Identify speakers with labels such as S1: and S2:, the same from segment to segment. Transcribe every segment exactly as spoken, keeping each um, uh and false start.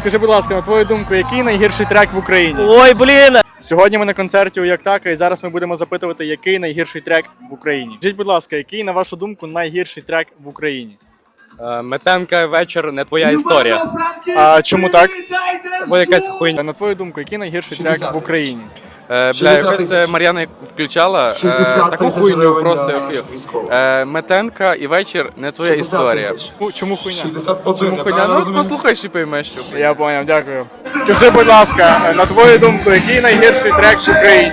S1: скажи, будь ласка, на твою думку, який найгірший трек в Україні?
S2: Ой, блін!
S1: Сьогодні ми на концерті у Як така, і зараз ми будемо запитувати, який найгірший трек в Україні. Скажіть, будь ласка, який, на вашу думку, найгірший трек в Україні?
S3: Метенка вечір не твоя історія.
S1: А чому так?
S3: Бо якась хуйня.
S1: На твою думку, який найгірший трек в Україні?
S3: Е, бля, якось е, Мар'яна включала е, таку хуйню просто. я хуй. Е, Метенка і вечір не твоя історія.
S1: Ну, чому хуйня?
S3: Чому хуйня? Ну послухай, і поймеш, що.
S1: Я поняв, дякую. Скажи, будь ласка, на твою думку, який найгірший трек в Україні?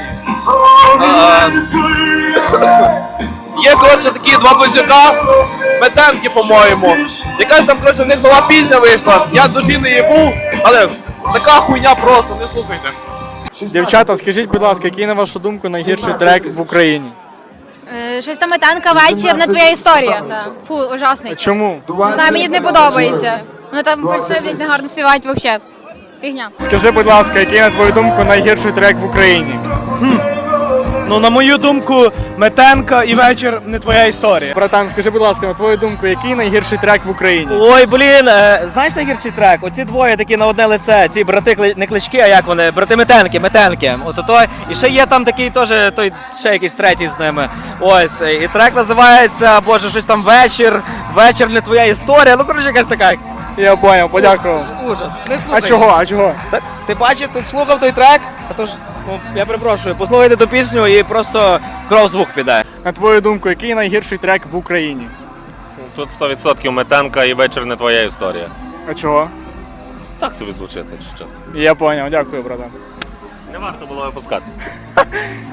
S4: Є, коротше, такі два близнюка, Метенки, по-моєму. Якась там, коротше, в них нова пісня вийшла. Я душі не їбу, але така хуйня просто, не слухайте.
S1: Дівчата, скажіть, будь ласка, який, на вашу думку, найгірший трек в Україні?
S5: Е, Щось там Метенка, вечір, не твоя історія. Да. Фу, ужасний.
S1: Чому?
S5: Не знаю, мені не подобається. Вони там фальшивлять, не гарно співають взагалі. Фігня.
S1: Скажи, будь ласка, який, на твою думку, найгірший трек в Україні?
S2: Ну, на мою думку, Метенка і вечір не твоя історія.
S1: Братан, скажи, будь ласка, на твою думку, який найгірший трек в Україні?
S2: Ой, блін, е, знаєш найгірший трек? Оці двоє такі на одне лице, ці брати кли- не клички, а як вони? Брати Метенки, Метенки. От той. І ще є там такий теж, той ще якийсь третій з ними. Ось. І трек називається, боже, щось там вечір, вечір не твоя історія. Ну, коротше, якась така.
S1: Я поняв, подякував.
S2: Ужас. Не слухай.
S1: А чого, а чого?
S2: Та, ти бачив, ти слухав той трек? А то ж, ну, я перепрошую, послухайте ту пісню і просто кров звук піде.
S1: На твою думку, який найгірший трек в Україні?
S6: Тут сто відсотків Метенка і вечір не твоя історія.
S1: А чого?
S6: Так собі звучить, якщо чесно.
S1: Я поняв, дякую, братан.
S6: Не варто було випускати.